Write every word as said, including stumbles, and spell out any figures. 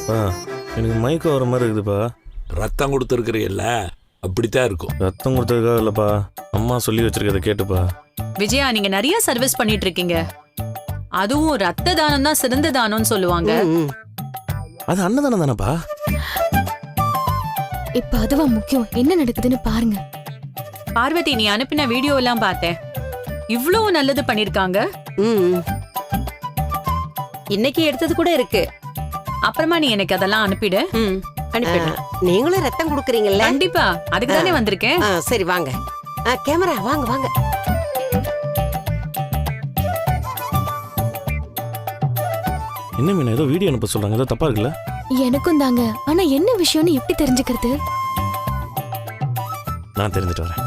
பா எனக்கு மயக்கம் வர மாதிரி இருக்குதுப்பா. ரத்தம் கொடுத்துருக்குறீல்ல, அப்படித்தான் இருக்கும். ரத்தம் கொடுத்ததுக்காக இல்லப்பா, அம்மா சொல்லி வச்சிருக்கதை கேட்டுப்பா. விஜயா, நீங்க நிறைய சர்வீஸ் பண்ணிட்டு இருக்கீங்க. அதுவும் ரத்த தானம் தான் சிறந்த தானம்னு சொல்லுவாங்க. அது அன்னதானம் தானப்பா. இப்ப அதுவா முக்கியம், என்ன நடக்குதுன்னு பாருங்க. பார்வதி, நீ அனுப்பின வீடியோ எல்லாம் பார்த்தேன். இவ்வளவு நல்லது பண்ணிருக்காங்க. ம் இன்னைக்கு எடுத்தது கூட இருக்கு. அப்புறமா நீ எனக்கு அதெல்லாம் அனுப்பிடு. ம் அனுப்பிடு. நீங்களும் ரத்தம் கொடுக்குறீங்கல்ல? கண்டிப்பா, அதுக்கு தானே வந்திருக்கேன். ஆ, சரி வாங்க. ஆ, கேமரா வாங்க வாங்க. என்ன மீனா ஏதோ வீடியோ அனுப்ப சொல்றாங்க, ஏதோ தப்பா இருக்குல்ல? எனக்கும் தாங்க. ஆனா என்ன விஷயம்னு எப்படி தெரிஞ்சுக்கிறது? நான் தெரிஞ்சுட்டு வரேன்.